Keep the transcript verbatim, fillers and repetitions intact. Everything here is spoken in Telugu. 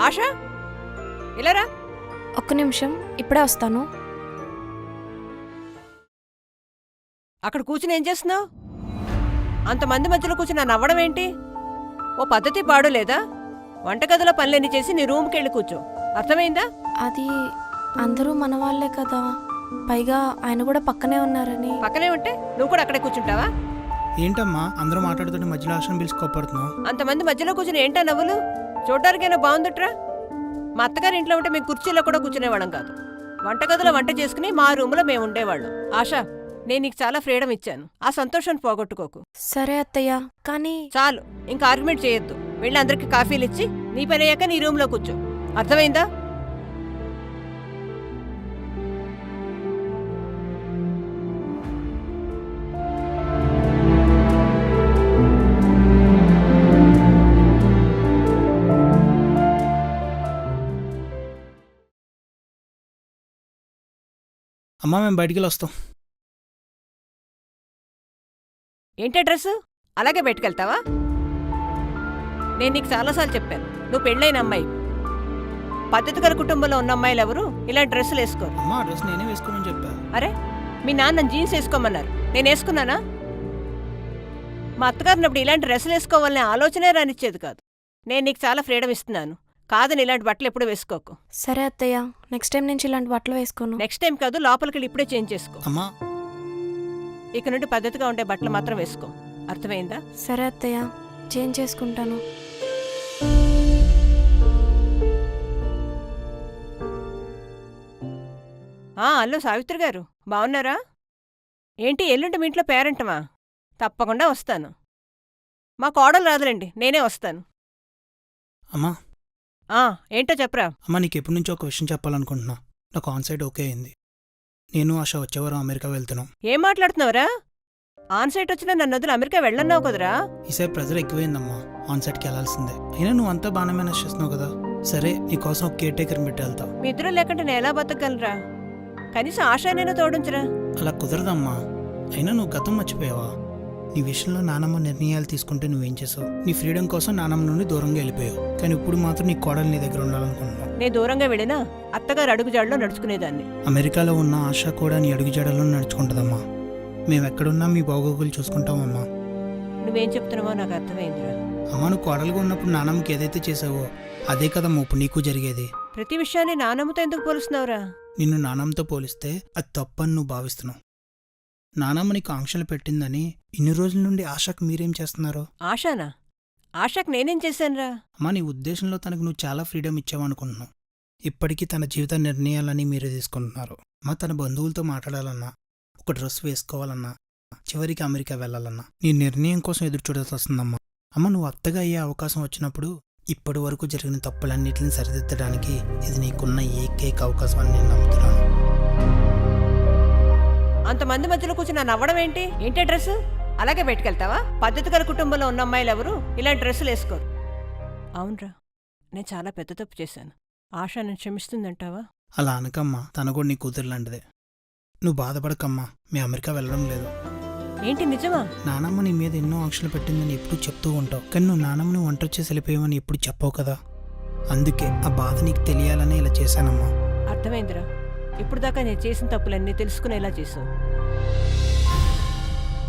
ఆశా ఇలారా. ఒక్క నిమిషం, ఇప్పుడే వస్తాను. అక్కడ కూర్చుని ఏం చేస్తున్నావు? అంతమంది మధ్యలో కూర్చుని నవ్వడం ఏంటి? ఓ పద్ధతి పాడు లేదా? వంటగదిలో పనులన్నీ చేసి నీ రూమ్కి వెళ్ళి కూర్చో. అర్థమైందా? అది అందరూ మన వాళ్ళే కదా, పైగా ఆయన కూడా పక్కనే ఉన్నారని. పక్కనే ఉంటే నువ్వు కూడా అక్కడే కూర్చుంటావా? ఏంటమ్మా అందరూ మాట్లాడుతుంటే మధ్యలో ఆశను పిలిచి కోపడుతున్నావు? అంతమంది మధ్యలో కూర్చుని ఏంటా నవ్వులు? చూడటానికైనా బాగుందిట్రా. మా అత్తగారి ఇంట్లో ఉంటే మేము కుర్చీలో కూడా కూర్చునేవాళ్ళం కాదు. వంటగదిలో వంట చేసుకుని మా రూమ్లో మేము ఉండేవాళ్ళం. ఆశా, నేను నీకు చాలా ఫ్రీడమ్ ఇచ్చాను, ఆ సంతోషాన్ని పోగొట్టుకోకు. సరే అత్తయ్య, కానీ చాలు, ఇంకా ఆర్గ్యుమెంట్ చేయొద్దు. వెళ్ళి అందరికి కాఫీలు ఇచ్చి నీ పని అయ్యాక నీ రూమ్లో కూర్చో. అర్థమైందా? అమ్మా మేము బయటికి వస్తాం. ఏంటి డ్రెస్సు అలాగే పెట్టుకెళ్తావా? నేను నీకు చాలాసార్లు చెప్పాను, నువ్వు పెళ్ళైన అమ్మాయి. పద్ధతి గల కుటుంబంలో ఉన్న అమ్మాయిలు ఎవరు ఇలాంటి డ్రెస్సులు వేసుకోరు. అమ్మా ఆ డ్రెస్ నేనే వేసుకోమని చెప్పా. అరే, మీ నాన్న జీన్స్ వేసుకోమన్నారు, నేను వేసుకున్నానా? మా అత్తగారినప్పుడు ఇలాంటి డ్రెస్సులు వేసుకోవాలనే ఆలోచనే రానిచ్చేది కాదు. నేను నీకు చాలా ఫ్రీడమ్ ఇస్తున్నాను, కాదని ఇలాంటి బట్టలు ఎప్పుడు వేసుకోకు. సరే అత్తయ్య, నెక్స్ట్ టైం నుంచి ఇలాంటి బట్టలు వేసుకోను. నెక్స్ట్ టైం కాదు, లోపలికి వెళ్ళి ఇప్పుడే చేంజ్ చేసుకో. అమ్మా ఇక నుండి పద్ధతిగా ఉండే బట్టలు మాత్రం వేసుకో. అర్థమైందా? సరే అత్తయ్య, చేంజ్ చేసుకుంటాను. ఆ అల్లో సావిత్రి గారు, బాగున్నారా? ఏంటి ఎల్లుండి మీ ఇంట్లో పేరెంటమా? తప్పకుండా వస్తాను. మా కోడలు రాదులేండి, నేనే వస్తాను. అమ్మా ఆ ఏంటో చెప్పరా. అమ్మా నీకు ఎప్పటి నుంచో ఒక విషయం చెప్పాలనుకుంటున్నా. నాకు ఆన్సైట్ ఓకే అయింది. నేను ఆశ వచ్చేవారం అమెరికా వెళ్తున్నాం. ఏం మాట్లాడుతున్నావురా? ఆన్సైట్ వచ్చినా నన్ను వదిలి అమెరికా వెళ్ళన్నావు కదరా. ఈసారి ప్రెజర్ ఎక్కువైందమ్మా, ఆన్సైట్కి వెళ్ళాల్సిందే. అయినా నువ్వు అంతా బాగానే మేనేజ్ చేస్తున్నావు కదా. సరే నీకోసం ఒక కేర్ టేకర్ని పెట్టి వెళ్తా. మీ ఇద్దరు లేకుంటే నేను ఎలా బతకగలరా? కనీసం ఆశనైనా తోడించరా. అలా కుదరదమ్మా. అయినా నువ్వు గతం మర్చిపోయావా? నీ విషయంలో నానమ్మ నిర్ణయాలు తీసుకుంటే నువ్వేం చేసావు? నీ ఫ్రీడమ్ కోసం నానమ్మ నుండి దూరంగా వెళ్ళిపోయావు. కానీ ఇప్పుడు మాత్రం నీ కోడలు నీ దగ్గర ఉండాలనుకుంటున్నావు. నేను దూరంగా వెళ్ళినా అత్తగారు అడుగుజాడలో నడుచుకునేదాన్ని. అమెరికాలో ఉన్న ఆశ కూడా నీ అడుగుజాడలో నడుచుకుంటుందమ్మా. మేమెక్కడున్నా మీ బాగోగులు చూసుకుంటామమ్మా. నువ్వేం చెప్తున్నావో నాకు అర్థమైందిరా. అమ్మ నువ్వు కోడలుగా ఉన్నప్పుడు నానమ్మకి ఏదైతే చేసావో అదే కదమ్మా ఇప్పుడు నీకు జరిగేది. ప్రతి విషయాన్ని నానమ్మతో ఎందుకు పోలుస్తున్నావురా? నిన్ను నానమ్మతో పోలిస్తే అది తప్పని నువ్వు భావిస్తున్నావు. నానమ్మ నీకు ఆంక్షలు పెట్టిందని ఇన్ని రోజుల నుండి ఆశకు మీరేం చేస్తున్నారు? ఆశానా? ఆశకు నేనేం చేశానురా? అమ్మా నీ ఉద్దేశంలో తనకు నువ్వు చాలా ఫ్రీడమ్ ఇచ్చావనుకుంటున్నావు. ఇప్పటికీ తన జీవిత నిర్ణయాలని మీరే తీసుకుంటున్నారు. అమ్మ తన బంధువులతో మాట్లాడాలన్నా, ఒక డ్రెస్ వేసుకోవాలన్నా, చివరికి అమెరికా వెళ్ళాలన్నా నీ నిర్ణయం కోసం ఎదురు చూడాల్సి వస్తుందమ్మా. అమ్మ నువ్వు అత్తగా అయ్యే అవకాశం వచ్చినప్పుడు ఇప్పటి వరకు జరిగిన తప్పులన్నింటిని సరిదిద్దడానికి ఇది నీకున్న ఏకైక అవకాశం అని నేను నమ్ముతున్నాను. అంతమంది మధ్యలో కూర్చుని నవ్వడం ఏంటి? ఏంటి డ్రెస్ అలాగే పెట్టుకెళ్తావా? పద్ధతి గల కుటుంబంలో ఉన్న అమ్మాయిలు ఎవరు ఇలాంటి డ్రెస్సులు వేసుకోరు. అవునరా, నేను చాలా పెద్ద తప్పు చేశాను. ఆశ నన్ను క్షమిస్తుందంటావా? అలా అనకమ్మా, తన కూడా నీ కూతురు లాంటిదే. నువ్వు బాధపడకమ్మా, మీ అమెరికా వెళ్ళడం లేదు. ఏంటి నిజమా? నానమ్మ నీ మీద ఎన్నో ఆంక్షలు పెట్టిందని ఎప్పుడు చెప్తూ ఉంటావు, కానీ నువ్వు నానమ్మని ఒంటరి చేసి వెళ్ళిపోయావని ఎప్పుడు చెప్పావు కదా. అందుకే ఆ బాధ నీకు తెలియాలని ఇలా చేశానమ్మా. అర్థమైందిరా. ఇప్పుడు దాకా నేను చేసిన తప్పులన్నీ తెలుసుకునేలా చేసావు.